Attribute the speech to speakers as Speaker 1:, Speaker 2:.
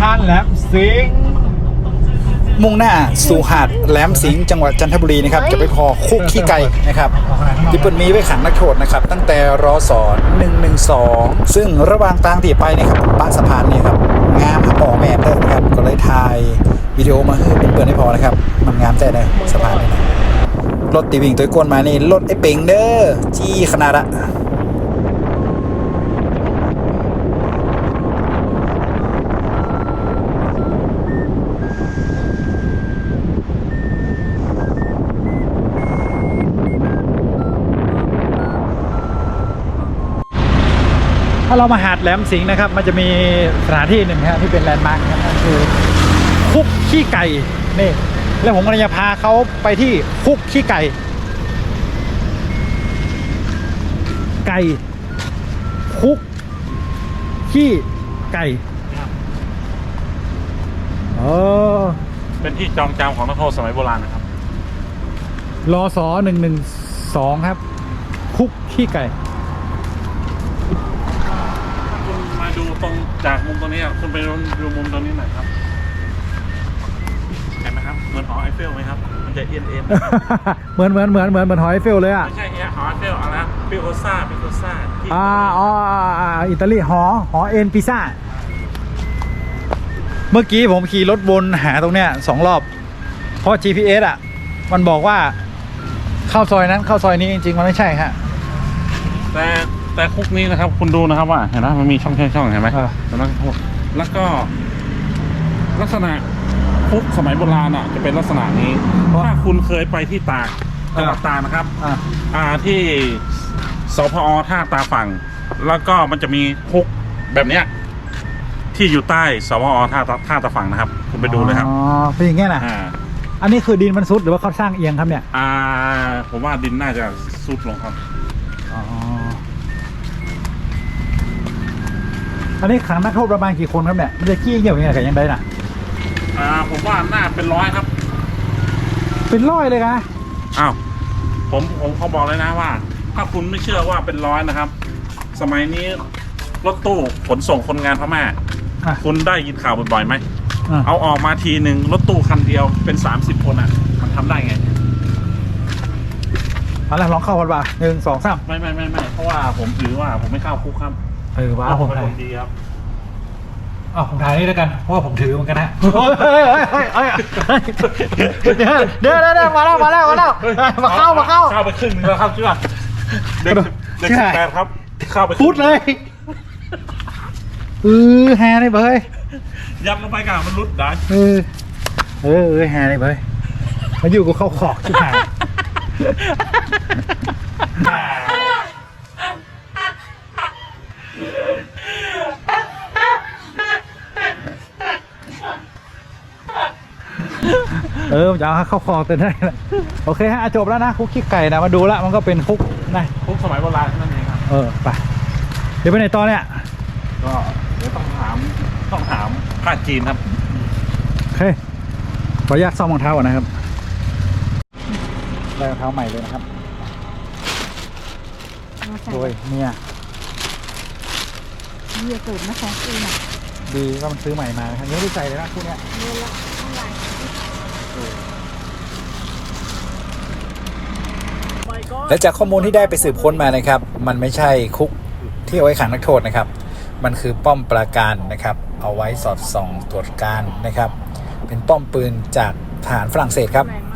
Speaker 1: านแหลมสิงห์
Speaker 2: มุ่งหน้าสู่หาดแหลมสิงห์จังหวัดจันทบุรีนะครับจะไปขอคุกขี้ไก่นะครับที่เปิดมีไว้ขังนักโทษนะครับตั้งแต่รศ112ซึ่งระหว่างทางที่ไปนะครับป้าสะพานนี่ครับงามหมอแม่เด้อนะครับก็เลยถ่ายวิดีโอมาให้เพื่อนๆให้พอนะครับมันงามแต่เลยสะพานนี่นะรถตีวิ่งตัวก้นมานี่รถไอ้เป่งเด้อจี้ขนาดอะถ้าเรามาหาดแหลมสิงห์นะครับมันจะมีสถานที่หนึ่งครับที่เป็นแลนด์มาร์คครับนั่นคือคุกขี้ไก่นี่แล้วผมกำลังจะพาเขาไปที่คุกขี้ไก่คุกขี้ไก่
Speaker 1: เป็นที่จองจำของนักโทษสมัยโบราณนะครับ
Speaker 2: รศ112ครับคุกขี้ไก่
Speaker 1: คุณมาดูตรงจากมุมตรงนี้คุณไปดูมุมตรงนี้หน่อยครับเห็นไหมครับเหมือนหอไอเฟลไหมครับมันจะเอ็น
Speaker 2: เหมือนหอยเฟลเลยอ่ะ
Speaker 1: ไม่ใช่หอไอเฟลอะไรนะปิโคซ่าที่
Speaker 2: อิตาลีหอเอ็นพิซซ่าเมื่อกี้ผมขี่รถวนหาตรงเนี้ย2 รอบเพราะ GPS อ่ะมันบอกว่าเข้าซอยนั้นเข้าซอยนี้จริงๆมันไม่ใช่ฮะ
Speaker 1: แต่คุกนี้นะครับคุณดูนะครับว่าเห็นไหมมันมีช่องเห็นไหมแล้วก็ลักษณะคุกสมัยโบราณอ่ะจะเป็นลักษณะนี้ถ้าคุณเคยไปที่ตากจังหวัดตากนะครับที่สพอท่าตาฝั่งแล้วก็มันจะมีคุกแบบเนี้ยที่อยู่ใต้สพอท่าตาฝั่งนะครับคุณไปดูเลยครับ
Speaker 2: เป็นอย่างเงี้ยนะอันนี้คือดินมันซุดหรือว่าเขาสร้างเอียงครับเนี่ย
Speaker 1: ผมว่าดินน่าจะซุดลงครับ
Speaker 2: อันนี้ขังนักโทษประมาณกี่คนครับเนี่ยมันจะขี้เหี่ยวยังไงกันยังไงน่ะ
Speaker 1: ผมว่าน่าเป็น100ครับ
Speaker 2: เป็น100เลยนะ
Speaker 1: ผมเขาบอกเลยนะว่าถ้าคุณไม่เชื่อว่าเป็น100นะครับสมัยนี้รถตู้ขนส่งคนงานพม่าคุณได้ยินข่าวบ่อยๆไหมเอาออกมาทีหนึ่งรถตู้คันเดียวเป็น30 คนมันทำได้ไง
Speaker 2: อะไรลองเข้ากันป่ะ1 2 3
Speaker 1: ไม่เพราะว่าผมถือว่าผมไม่เข้าคุกครับ
Speaker 2: ว้าผมถ่าย
Speaker 1: ดีครับ
Speaker 2: ผมถ่ายนี่แล้วกันเพราะว่าผมถือเหมือนกันนะเดี๋ยวมาแล้วเข้า
Speaker 1: ไปครึ่งนึงแล้วครับเชื่อเด็ก18ครับเข้าไป
Speaker 2: พูดเลยแฮนี่เบย
Speaker 1: ยัดลงไปกันมันรุดได้
Speaker 2: แฮนี่เบยมาอยู่กับเข้าขอกชิบหายจะเอาเข้าคลองเต็มได้แล้วโอเคฮะจบแล้วนะคุกขี้ไก่นะมาดูแล้วมันก็เป็นคุกนะ
Speaker 1: คุกสมัยโบราณนั่นเองครับ
Speaker 2: ไปเดี๋ยวไปไหนต่อเนี่ย
Speaker 1: ก็เดี๋ยวต้องถามภาคจีนครับ
Speaker 2: โอเคขออนุญาตซ่อมรองเท้าก่อนนะครับได้รองเท้าใหม่เลยนะครับโดยเนี่ย
Speaker 3: สูตรนะคะ
Speaker 2: ดีว่ามันซื้อใหม่มาครับยังไม่ได้ใส่เลยนะคู่เนี้ยและจากข้อมูลที่ได้ไปสืบค้นมานะครับมันไม่ใช่คุกที่เอาไว้ขังนักโทษนะครับมันคือป้อมปราการนะครับเอาไว้สอดส่องตรวจการนะครับเป็นป้อมปืนจากทหารฝรั่งเศสครับ